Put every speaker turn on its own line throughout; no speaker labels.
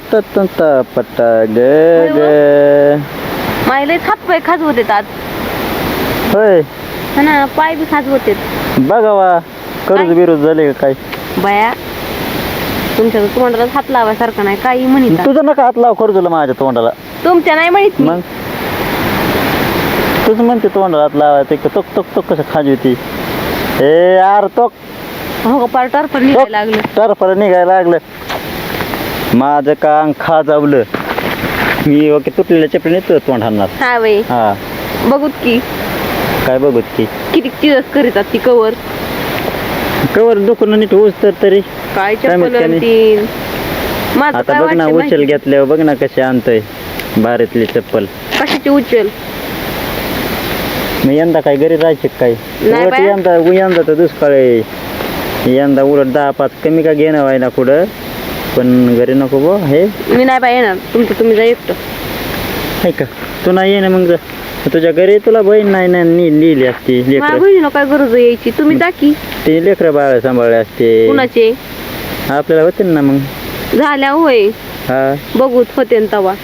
पट्टा ग ग.
मायले हात पाय खाज होते आज
होय
हा ना, पाय बी खाज होते.
बघावा कर्ज बिरोध झाले का काय?
बाया तुमच्या तोंडाला हात लावायसारखं नाही, काही म्हणत
तुझं नका हात लाव कर्जला माझ्या तोंडाला.
तुमच्या नाही म्हणत
मग तुझं म्हणते तोंडाला हात लावायचं का? तोक तोक तोक कसं खाजी होती ए यार तोक.
हो पार टरफर निघायला लागलं.
टरफर निघायला लागलं. माझं कान खाजावलं. मी ओके तुटलेल्या चपलीने तुझं तोंड हाणणार.
हा बाई
हा
बघूत की
काय बघत की
किती चिरस करीतात ती कवर
कवर दुखून नीट होस तर तरी
काय
काय माहित
चप्पल
त्याने?
तीन माझं
आता
काय
बघ ना
वाटतं
उचल
माहिती?
घेतल्यावर बघ ना कशी आणतोय भारीतली चप्पल.
कशाची उचल
मी यंदा काय घरी राहायचे काय?
नाही
उलट
बाया.
यंदा तर दुष्काळ आहे. यंदा उलट 10-5 कमी का घेणं व्हाय ना कुठं पण घरी नको बो हे.
मी नाही बाई येणार, तुमचं तुम्ही जा एकटं.
आहे का तू नाही ये ना मग तुझ्या घरी तुला बहीण नाही ना लिहिली असती
माझ्या
लेकर.
बहिणीला काय गरज आहे यायची, तुम्ही जा की.
ते लेकरं बाळ सांभाळले असते
कुणाचे
आपल्याला होते ना मग.
झाल्या होय
हा
बघूत होते न तवा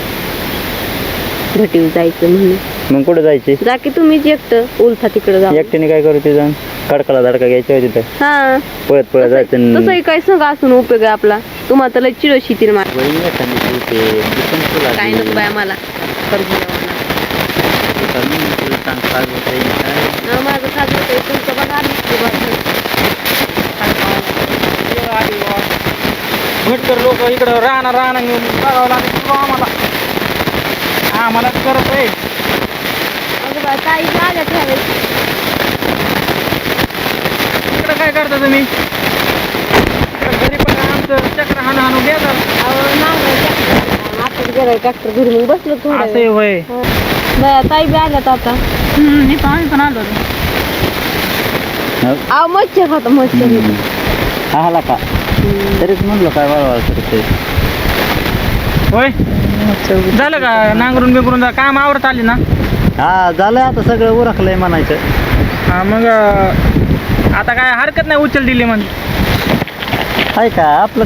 घटीव जायचं म्हणून.
मग कुठं जायचे?
जा की तुम्हीच एकटं उलथा तिकडे जा.
एकट्याने काय करू ते जाऊन कडकला धडका घ्यायचा होती तर
हा
पळत पळत जायचं.
तसंही काय संग असून उपयोग आहे आपला. तुम्हाला तर लय चिडोशी ती माझ
बहीण एखादी होते दिसून तुला
काय नको बाय मला कर्ज लावायला.
तुला सांग काय होतंय काय?
हा, माझं खाज होतंय तुमचं बघा आधीच की बघा.
भटकर लोक इकडं राहणार घेऊन बघावं लागेल आम्हाला करत आहे.
अगं बाय ताई बी आल्या त्यावेळेस.
इकडं काय करता तुम्ही? इकडं घरी पण आमचं चक्र हाणू देतात.
अहो नांगर आता गेलाय ट्रॅक्टर घरी मग बसलो थोडं
असं होय.
बाया ताई बी आल्यात आता.
मी पण आलो.
अहो मच्छर होता मच्छर.
आला का तरीच म्हणलं काय वळवळ करते.
होय झालं का नांगरून बिंगरून काम आवरत आली ना?
हा झालंय आता सगळं उरकलंय म्हणायचं.
हा मग आता काय हरकत नाही उचल दिली म्हणजे.
आहे का आपलं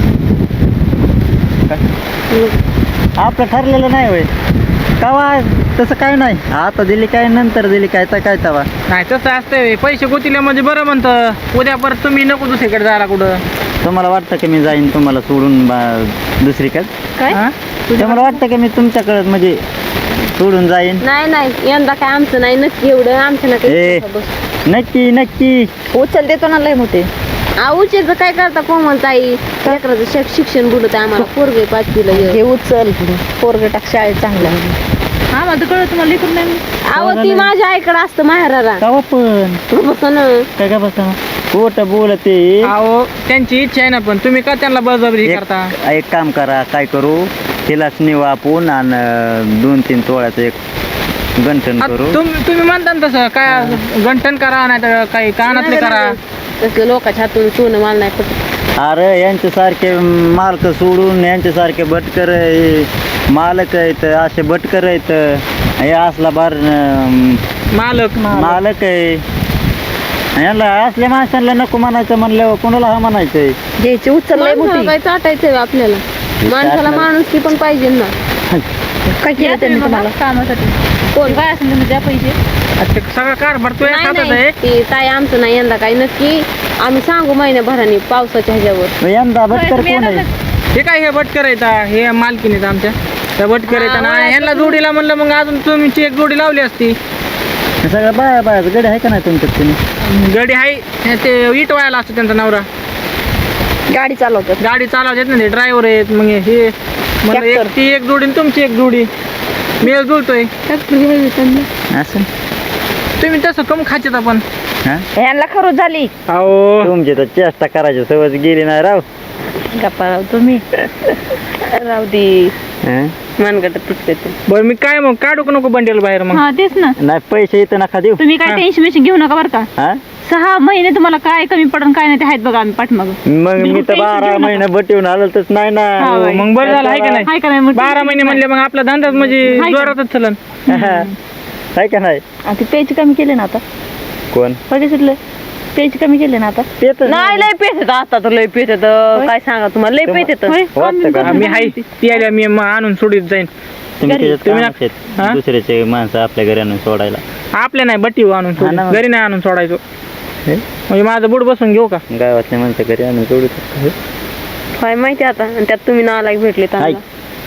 आपलं ठरलेलं नाही होय कवा तसं काय नाही. आता दिली काय नंतर दिली काय तर काय तवा
नाही तसं असतंय. पैसे गोतीले म्हणजे बरं म्हणतं. उद्या परत तुम्ही नको दुसरीकडे जायला कुठं.
तुम्हाला वाटतं की मी जाईन तुम्हाला सोडून दुसरीकडे?
काय
हा?
तुम्हाला वाटतं की मी तुमच्याकडे म्हणजे सोडून जाईन?
नाही नाही यंदा काय आमचं नाही नक्की एवढं आमचं ना
ए नक्की नक्की
उचल देतो ना लय मोठे. उचलचं काय करता कोमल ताई लेकराचं शिक्षण बुडत आम्हाला पोरगे 5वीला
हे उचल पोरग टाक शाळेत चांगला.
हा माझं कळत तुम्हाला लेकरून नाही. अहो ती माझ्या आईकडे असतं माहेराला.
कवा पण
बसन
काय का बसा खोट बोलते.
अहो त्यांची इच्छा आहे ना पण तुम्ही का त्यांना बळजबरी करता?
एक काम करा काय करू तिलाच नेऊ आपण आणि 2-3 तोळ्याचं एक गंठन करू.
तुम्ही म्हणता ना तसं काय गंठन करा नाही तर काही कानातले करा.
तसलं लोकांच्या हातून सोनं मला नाही पटत.
अरे यांच्यासारखे मालक सोडून यांच्यासारखे भटकर मालक आहेत असे भटकर आहेत. हे असला बार मालक आहे. यांना असल्या माणसांना नको म्हणायचं म्हणल्यावर कोणाला हा म्हणायचंय.
घ्यायची उचल लय
माणसाला
मोठी.
काय चाटायचंय आपल्याला. माणसाला माणूस की पण पाहिजे ना.
काय केलं त्यांनी तुम्हाला
कामासाठी कोण काय असेल तुम्ही द्या पैसे.
ते सगळं कार भरतोय
नाही
हातात
नाही
आहे.
ती ताई आमचं नाही यंदा काही नक्की आम्ही सांगू महिन्याभराने पावसाच्या ह्याच्यावर.
यंदा भटकर कोण आहे?
हे काय हे भटकर आहेत हे मालकीन आहेत आमच्या त्या भटकर आहेत ना.
ओळखलं
ह्यांना जोडी म्हणलं मग अजून तुमची एक जोडी लावली असती.
सगळं बाया गडी आहे का नाही तुमच्यात तुम्ही?
गाडी आहे ते इट व्हायला असतो त्यांचा नवरा.
गाडी चालवतात.
गाडी चालवतात ना ते ड्रायव्हर आहेत. मग हे म्हणलं एक ती एक जोडी आणि तुमची एक जोडी मी जुळतोय.
असं
तुम्ही तसं कम खायचं आपण.
हा
ह्यांना खरोच झाली.
अहो
तुमची तर चेष्टा करायची सवय गेली नाही राव.
गप्पा राव तुम्ही राहू दे.
हं?
मनगट तुटते ते.
बरं मी काय मग काढू का नको बंडेल बाहेर मग?
हा तेच ना.
नाही पैसे इथं नका देऊ.
तुम्ही काय टेन्शन घेऊ नका बरं का.
हा
6 महिने तुम्हाला काय कमी पडून काय नाही ते आहेत बघा आम्ही पाठमाग.
मग मी तर 12 महिने बटीवून आलो तर नाही ना.
मग बरं झालं आहे का
हाय का
नाही?
नाही मग
12 महिने म्हणले मग आपला धंदा म्हणजे
हाय का?
जोरातच चलन.
आहे का नाही?
आणि ती प्यायची कमी केली ना आता
कोण
बघितलं पेज कमी केले ना आता
पेत
नाही लय पेत येतं आता तर लय पेत येतं काय सांगा तुम्हाला लय पेत येतं
वाटतं का
मी हाय ती आल्या मी आणून सोडीत जाईन
तुम्ही त्याच्यात
तुम्ही
कामाचे आहेत.
हा?
दुसऱ्याचे माणसं आपल्या घरी आणून सोडायला
आपल्या नाही बट्टी आणून सोडू
हा ना.
घरी नाही आणून सोडायचो
हे?
म्हणजे माझं बुड बसून घेऊ का
गावातल्या माणसं घरी आणून सोडत
काय माहिती आता आणि त्यात तुम्ही नालायक भेटले त्यांना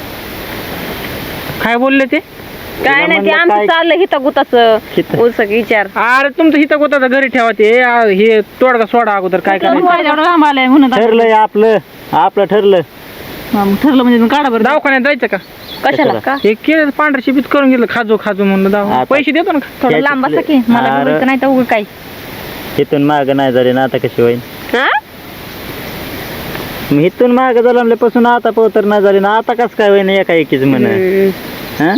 काय बोलले ते
काय नाही ते
म्हणलं
आमचं
काय-
चाललं हिता गुताचं
हिता-
उलसक विचार
अरे तुमचं हिथं गोता घरी ठेवा ते हे तोडगा सोडा अगोदर काय करायचं
एवढं लांब आलाय म्हणून
ठरलंय आपलं ठरलं
ठरलं म्हणजे काढा बरं
दवाखान्यात जायचं का
कशाला का
हे केलं पांढरं शिपीत करून गेलं खाजू म्हणलं दवा
आता-
पैसे देतो ना
थोडं लांब बसा की मला
अरे.
बोलायचं नाही तर उगं काय
इथून माग नाही झाले ना आता कशी होईल
हा
मग इथून माग झाल्यापासून आता पोतर नाही झाली ना आता कस काय होईन एका एकीच म्हण हा?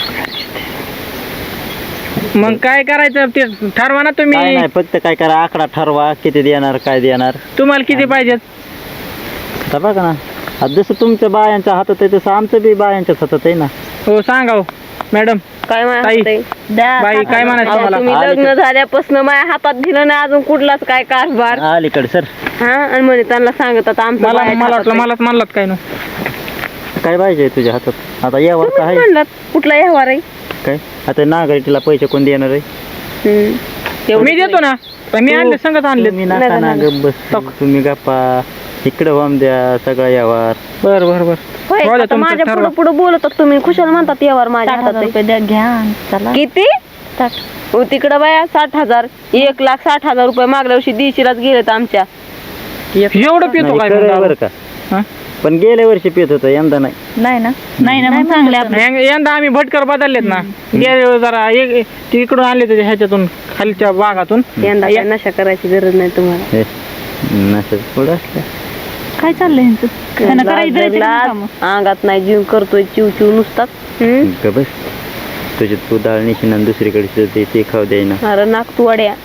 मग काय करायचं ते ठरवा ना
काय
तुम्ही
नाही फक्त काय करा आकडा ठरवा किती देणार काय देणार
तुम्हाला किती पाहिजेत
आता बघा ना आता जसं तुमच्या बायांच्या हातात आहे तसं आमचं बी बायांच्याच हातात आहे ना
हो सांगा हो मॅडम
काय
ताई.
म्हणायचं
बाई काय म्हणायचं
अहो,
मला
तुम्ही लग्न झाल्यापासून माझ्या हातात दिलं नाही अजून कुठलाच काय कारभार
अलीकडे सर
हा आणि म्हणे त्यांना सांगत आता आमचं
मला
बाहेर
मला
हातात
वाटलं
आहे.
मलाच म्हणलात काय नो
काय पाहिजे तुझ्या हातात आता यावर
तुम्हीच
काय
म्हणलात कुठला व्यवहार आहे
काय आता नागरिकला पैसे कोण देणार आहे
तेवढंच
मी देतो ना पण मी आणले संगत आणले
तुम्ही नका ना गप बस तुम्ही गप्पा इकडे वाम द्या सगळा यावर
बर बर बर
होय,
राहू द्या
आता
तुमचं
माझ्या
ठरवा.
पुढे पुढे बोलतात तुम्ही खुशाल म्हणतात व्यवहार माझ्या हातात आहे.
रुपये द्या घ्या चला
किती हो तिकडं बाया 60,000 1,60,000 मागल्या वर्षी दिशीलाच गेलेत आमच्या
एवढं पितो
नाही,
काय
खरं आहे
म्हणता?
बरं का
हा?
पण गेल्या वर्षी पित होतं यंदा नाही
नाही ना मग चांगले आपले
यंदा आम्ही भटकर बदललेत ना गेल्या वेळी जरा एक ते इकडून आणले त्याच्या ह्याच्यातून खालच्या भागातून
यंदा काय नशा करायची गरज नाही तुम्हाला
हे, नसेल पुढं असलं
काय चाललंय यांचं त्यांना करायचं द्यायचं का
लाज,
कामं?
अंगात नाही जीव करतोय चिव चिव नुसतात
ग बस तुझी तू डाळ निशीन आणि दुसरीकडे ते खाऊ द्यायना
अरे नाक तू अड्या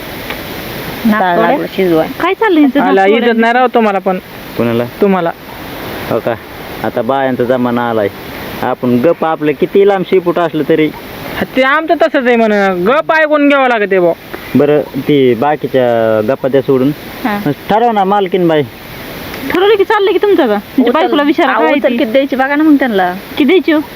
नागतोड्या?
शिजवाय
काय चाललंय यांचं?
आला इज्जत नाही राहतो तुम्हाला पण
कोणाला
तुम्हाला
हो का आता बायांचा जमाना आलाय आपण गप आपलं किती लांब शिपूट असलं तरी
ते आमचं तसंच आहे म्हण गप ऐकून घ्यावं लागते भाऊ
बरं ती बाकीच्या गप्पा द्या सोडून
हा.
ठरव ना मालकीन बाई
ठरवलं की चाललंय की तुमचं का तुमच्या बायकोला विचारा काय
उचल
ती?
किती द्यायची बघा ना मग त्यांना
किती द्यायची हो?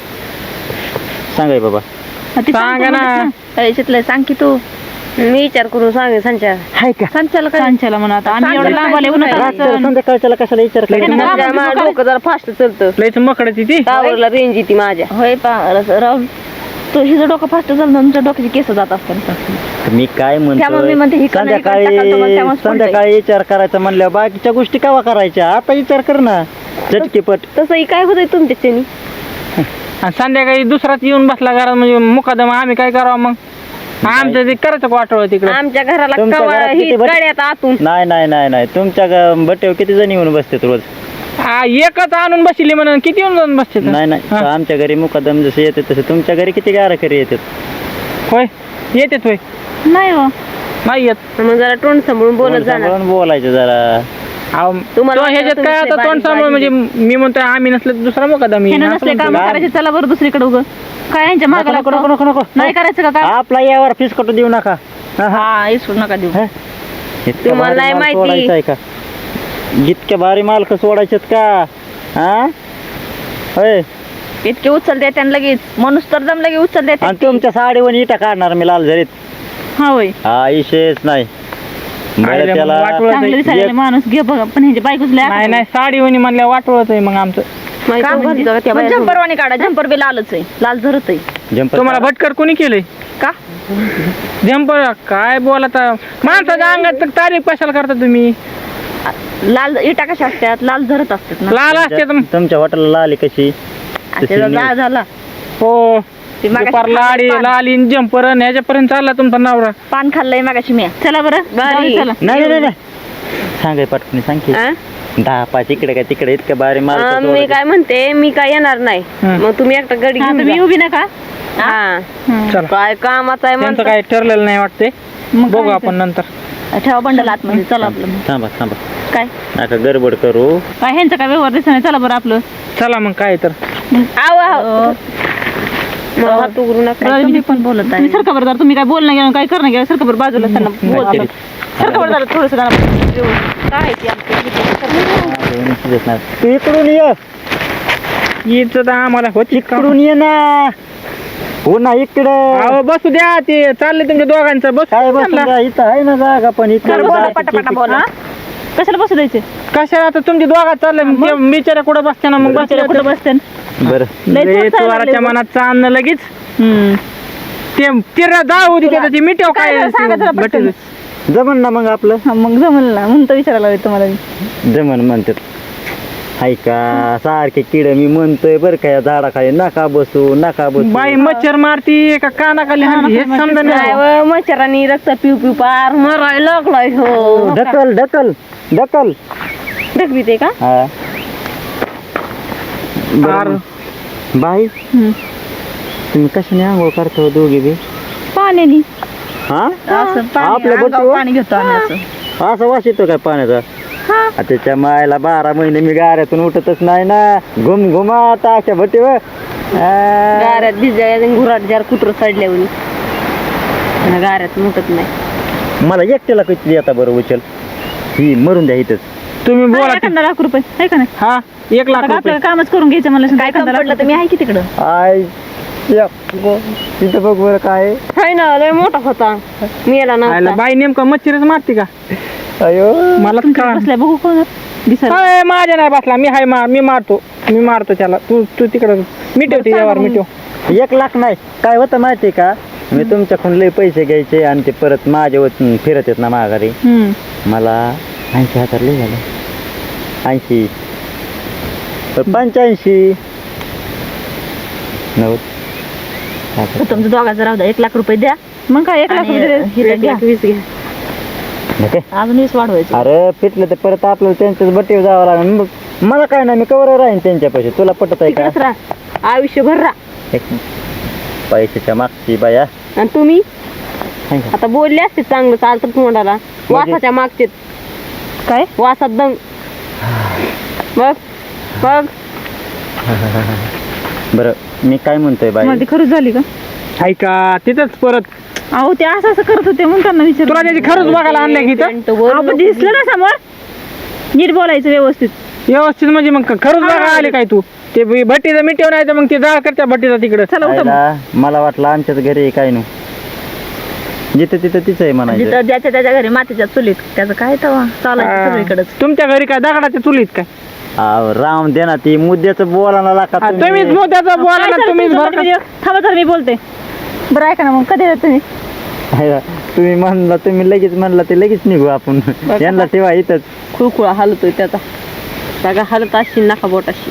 सांगाय बाबा
हा, ती
सांगा ना.
सांगतो याच्यातलं सांग की तू
मी विचार करून सांगे संचार
हाय का
सांच्याला काय सांच्याला म्हणा आता आम्ही एवढं लांब आले उन्हात
रात्र संध्याकाळच्याला कशाला विचार
त्यांना
करायचा
काय
माझ्या
म्हणतो
माझं डोकं जरा फास्ट चलतं
लयच मकडची ती
टावरला रेंज येते माझ्या
होय राहुल तो हिचं डोकं फास्ट झालं ना, तुमच्या डोक्याची केस जात असतात
मी काय
त्यामुळे मी म्हणते
म्हणतो
ही कणं इकडं टाकाल तर मग त्यामुळेच
संध्याकाळी विचार करायचा म्हणल्यावर बाकीच्या गोष्टी केव्हा करायच्या आता विचार कर ना झटकीपट
तसंही काय होतंय तुमच्याच्यानी
आणि संध्याकाळी दुसराच येऊन बसला घरात म्हणजे मुकादम आम्ही काय करावं मग आमचं ते करायचं वाटवं तिकडे
आमच्या घराला
तुमच्या
कवा
घरात
ही
किती बट-
गाड्यात आतून
नाही नाही नाही नाही तुमच्या बट्ट्यावर किती जण येऊन बसतात रोज
एकच आणून बसली म्हणून किती येऊन जाऊन बसते
नाही नाही
हा.
आमच्या घरी मुकादम जसे येते तसे तुमच्या घरी किती गाराखरी येतात
होय येतेत होय
नाही हो
नाही येत
मग जरा तोंड सांभाळून बोलत
तोंड
जाणार
सांभाळून बोलायचं जरा
अहो,
तुम्हाला
तो
वाटतं
ह्याच्यात काय
तुम्ही
आता तोंड
बारीक
सांभाळ म्हणजे
बारीक
मी म्हणतोय आम्ही नसलं तर दुसरा मुकादम येईन.
ह्यानं
असं
नसले काम
म्हणतोय.
करायचे चला बरं दुसरीकडे उगं काय यांच्या
नको
मागायला
नको नको नको नको
नाही करायचं का काय
आपला यावर फीस कटू देऊ नका हा, हा.
हा इसरू नका देऊ
हे? इतका
तुम्हाला
भारी
नाही
माल
माहिती.
सोडायचा आहे का जितके भारी मालक सोडायचेत का हा होय
इतके उचल द्या त्यांना लगेच माणूस तर दम लगे उचल द्या
आणि तुमच्या साडीवर इटा काढणार मी लाल झरीत
हा होय
हा विषयच नाही बरं
आईला
त्याला
वाटोळं
चांगलं
आहे.
दिसायला माणूस घे बघा पण ह्याच्या बायकोच
नाही नाही साडी वणी म्हणल्या वाटवत आहे मग आमचं
जम्परवाणी काढा जम्पर बी लालच आहे लाल झरत आहे
जंपर
तुम्हाला भटकर कोणी केलंय
का
जंपर काय बोलता माणसाच्या अंगात तर तारीफ कशाला करता तुम्ही
लाल इटा कशा असतात लाल झरत असतात ना
लाल असते तर
तुमच्या हॉटेलला लाली कशी
आणि त्याचा जाळ झाला
हो
ती मागाशी
दुपार लाडी
पान-
लाली जंपर ह्याच्यापर्यंत चालला तुमचा नवरा
पान खाल्लंय मागाशी मी चला बरं
बारी.
चला
नाही नाही नाही सांगाय पटकन सांग की 10-5 इकडे काय तिकडे इतकं भारी माल
मी काय म्हणते मी काय येणार नाही
हं.
मग तुम्ही एकटा गडी
हा,
घेऊन
तुम्ही
जा.
उभी नका
हा
चला
काय कामाचं आहे
त्यांचं
म्हणतात
काय ठरलेलं नाही वाटते
मग
बघू
काय
आपण नंतर
ठेवा बंडल आतमध्ये चला आपलं मग.
थांबा थांबा
काय
नका गडबड करू
काय ह्यांचं काय व्यवहार दिसत नाही चला बरं आपलं
चला मग काय तर
आव आव मला हात उघडू नका.
तुम्ही पण बोलत आहे सरका बरं जरा, तुम्ही काय बोलणं गेलं काय करणं गेलं सरका बरं बाजूला त्यांना बोलत सरका बरं जरा थोडंसं
काय ते आमचं
तू इकडून ये,
हीच तर आम्हाला होती का?
इकडून ये ना. हो ना इकडं.
अहो बसू द्या, ते चाललंय तुमच्या दोघांचं बस.
काय बसला इथं आहे ना जागा, पण इकडे
पटापटा बोला. कशाला बसू द्यायचे
कशाला आता तुमच्या दोघात चाललंय, बिचारा कुठं बसते ना मग
बसले कुठं बसते
बरं.
लय
चोराच्या मनात चांदणं लगेच ते तिरा जाळ होती त्याची मिठव काय
सांगा जरा पटकन.
जमन ना मग आपलं.
मग जमल ना म्हणून तर विचारायला लागले तुम्हाला.
जमन म्हणतात. हाय का सारखे किड मी म्हणतोय बरं का, या झाडाखाली नका बसू नका बसू.
बाई मच्छर मारती का कानाखाली हाणती हे समजा
नाही व, मच्छरांनी रक्त पिऊ पिऊ पार मरायला लागलाय. हो
ढकल ढकल ढकल.
ढकली ते का?
हा. बरं. बाई तुम्ही कशाने आंघोळ करतो दोघी बी?
पाण्याने
हा
असं
आपल्या बोटीवर?
पाणी घेतो आम्ही असं.
असा वास येतो काय पाण्याचा? त्याच्या मायला 12 महिने मी गाऱ्यातून उठतच नाही ना. घुम घुमात अशा भटीवर.
गाऱ्यात भिजायला घुराट जार कुत्र चढल्यावर गाऱ्यात मुटत नाही.
मला एकट्याला किती येता बरं उचल? ही मरून द्या इथंच.
तुम्ही बोला की.
एखादा लाख रुपये आहे का नाही?
हा 1 लाख
आता
रुपये.
आपल्याला कामच करून घ्यायचं मला
काय काम पडलं तर मी आहे की तिकडं.
आय तिथं बघ बरं काय.
हाय ना लय मोठा होता, मेला
आयला
ना.
बाई नेमकं मच्छरच मारते का?
अयो
मला का
बसल्या बघू कोण दिसायला.
काय माझ्या नाही बसला, मी हाय मी मारतो त्याला. तू तिकडं मिटवते यावर मिटव.
1 लाख नाही काय होतं माहिती का, मी तुमच्याकडून लय पैसे घ्यायचे आणि ते परत माझ्यावर फिरत येत ना माघारी. मला 80,000 लय झालं. 80 85 90.
तुमचं दोघांचं राहू द्या 1 लाख रुपये द्या. मग काय 1 लाख रुपये द्या.
20 घ्या.
ओके.
अजून 20 वाढवायचं.
अरे फिटलं तर परत आपल्याला त्यांच्याच बट्टीवर जावं लागेल. मग मला काय नाही, मी कवर राहीन त्यांच्यापाशी. तुला पटत आहे का?
तिकडेच राहा आयुष्यभर राहा.
एक पैशाच्या मागची बाया.
आणि तुम्ही
हाय का?
आता बोलले असते चांगलं चालतं तोंडाला. वासाच्या मागचे
काय
वासात दंग. बघ बघ
बरं मी काय म्हणतोय बाई,
मला ती खरंच झाली का?
ऐका तिथंच परत
अहो ते असं असं करत होते म्हणून त्यांना विचार.
तुला त्याची खरंच बघायला आणलंय की इथं?
आपण दिसलं ना समोर नीट बोलायचं व्यवस्थित.
व्यवस्थित म्हणजे मग खरंच बघायला आले काय तू? ते भट्टीचं मिटव नाही तर मग ते जाळ करत्या भट्टीचा तिकडं.
चला उठा मग.
आयला, मला वाटलं आमच्याच घरी आहे काय नु. जिथं तिथं तिचं आहे म्हणायचं.
जिथं ज्याच्या त्याच्या घरी मातीच्या चुलीत त्याचं काय तवा चालायचं सगळीकडेच.
तुमच्या घरी काय दगडाच्या चुलीत काय?
राम दे ना, ती मुद्द्याचं बोलायला लागत.
तुम्हीच मोत्याचा बोला
काय
ना,
चालू
तुम्हीच
तुमचं?
बरं का?
म्हणजे थांबा तर मी बोलते. बरं ऐका ना मग कधी येतात तुम्ही?
तुम्ही म्हणला, तुम्ही लगेच म्हणला ते लगेच निघू आपण. यांना ठेवा इथंच.
खुळखुळा हलतोय त्याचा सगळा हलत अशी नका बोटाशी.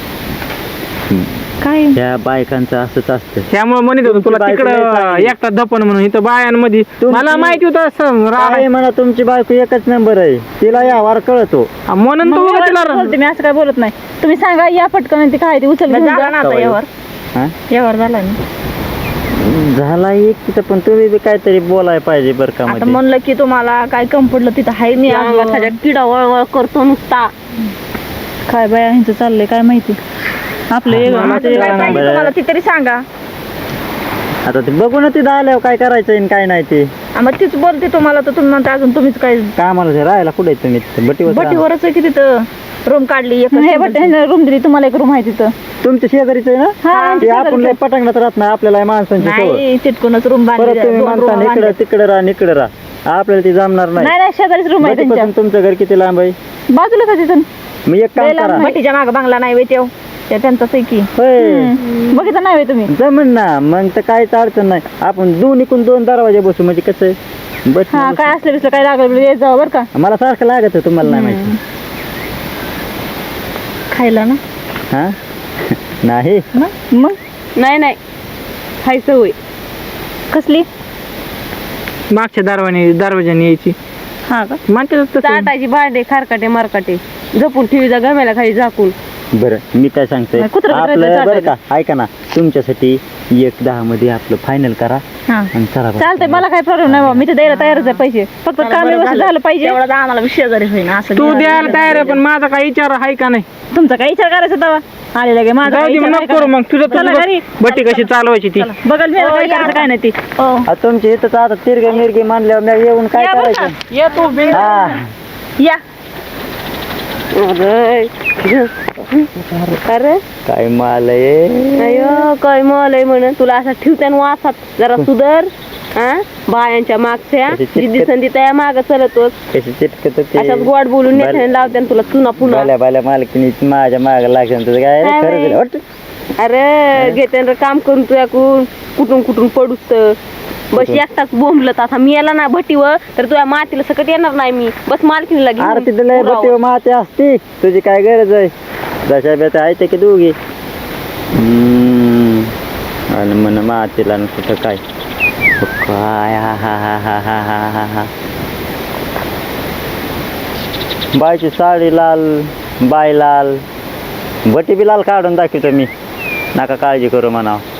काय
त्या बायकांचं असंच असतं.
त्यामुळे म्हणत होतो तुला
तुमची बायको
तिकडं
लय चांगली.
एकटा दपन म्हणून इथं बायांमध्ये मला माहिती होतं असं
काय म्हणा, तुमची बायको एकच नंबर आहे. तिला या वार कळतो.
म्हणून
मग
तू
मी
तिला
बोलते, मी असं काय बोलत नाही. तुम्ही सांगा या पटकन ते काय ते उचल घेऊन जा.
आता यावर. हा?
यावर झाला ना.
झाला एक तिथं, पण तुम्ही बी काहीतरी बोलाय पाहिजे बरं का.
आता
मध्ये
म्हणलं की तुम्हाला काय कम पडलं तिथं हाय मी
अंगात ह्याच्या किडा वळवळ करतो नुसता.
काय बाया ह्यांचं चाललंय काय माहिती. आपलं एक
मला
माझं
ते
काय पाहिजे
बरं.
तुम्हाला ती तरी सांगा.
आता ते बघू ना, तिथं आल्यावर काय करायचं आणि काय नाही ते.
मग तीच बोलते तुम्हाला तर तुम्ही म्हणता अजून तुम्हीच काय
कामाला ते राहायला कुठे आहे तुम्ही? तिथं बटीवर राहा.
बटीवरच आहे की तिथं रूम काढली एक रूम दिली तुम्हाला. एक रूम आहे तिथं.
तुमच्या शेजारीच आहे
हा,
ना?
आमच्या
ते आपण
शेजारीच
लय पटांगणात राहत नाही, आपल्याला माणसांची सवय.
नाही चिटकूनच रूम
परत
बांधली
तुम्ही
दोन room
म्हणता इकडं
बांधल्या.
तिकडे राहा इकडे राहा, आपल्याला ते जमणार नाही.
नाही नाही शेजारीच रूम आहे त्यांच्या.
बटीपासून तुमचं घर किती लांब आहे?
बाजूलाच आहे तिथून.
मी एक काम करा.
भटीच्या माग बांगला नाही वेतेव त्या त्यांचाच आहे की.
होय.
बघितलं नाही तुम्ही?
जमन ना, मग तर काहीच अडचण नाही. आपण दोन्हीकडून 2 दरवाजे बसू म्हणजे कसं आहे बस.
हा काय असलं बिसलं काय लागलं येत जावं बरं का.
मला सारखं लागत आहे, तुम्हाला नाही माहिती.
खायला ना
हा नाही
मग
नाही नाही हाय सवय.
कसली?
मागच्या दरवाजाने यायची
हा का
म्हणते तसं.
चाटायची भांडे खारकाटे मारकाटे जपून ठेवी जा गम्याला खाली झाकून.
बरं मी काय सांगतोय
नाही, कुत्रं
आपलं
बित्रं
बरं का, ऐका ना, तुमच्यासाठी 1-10 मध्ये आपलं फायनल करा
हा
आणि चला बरं.
चालतंय. मला काय प्रॉब्लेम नाही बाबा, मी तर द्यायला तयारच आहे पैसे. फक्त काम व्यवस्थित झालं पाहिजे.
आम्हाला शेजारी होईना असं
तू द्यायला तयार आहे, पण माझा काही विचार आहे का नाही?
तुमचा काय विचार करायचा तेव्हा? आले लगे माझं
जाऊ
काही
दे, मग
इच्छा
नको
नाही
करू मग तुझं
चला
तुझं
घरी.
बट्टी कशी चालवायची ती
चला, बघल मी काय करायचं काय नाही ती
आ, तुमची इथं आता तिरगे मिरगे मानल्यावर मी येऊन काय
या बरं
करायचं
ये तू बिन
हा
या
अरे
काय माल आहे
अयो काय मलय म्हण तुला असं ठेवत्यान वासात जरा सुधर हा बायांच्या मागच्या
कशी चिटकत-
जिद्दी संधी त्या माग चलतोस
कशी चिटकत
अशाच गोड बोलून नेत्याने लावत्यान तुला चुना पुन्हा
बाल्या बाल्या मालकीनी माझ्या माग लागेल तुझं काय
काय
खरं
बाई?
झालं, वाटतं?
अरे घेते रे काम करून तुझ्याकडून कुठून कुठून पडूस बस एकटाच बोंबलत आता मी याला ना भटीवर तर तुझ्या मातीला सकट येणार नाही मी बस मालकीनीला
अरे
घेऊन
तिथं लय
पुरावं.
बट्टीवर माती असती तुझी काय गरज आहे जशा बेता आहे ते की दोघी आणि म्हण मातीला न कुठं काय काय हा हा हा हा हा हा हा हा बायची साडी लाल बाय लाल बटी बी लाल काढून दाखवतो मी नका काळजी करू म्हणावं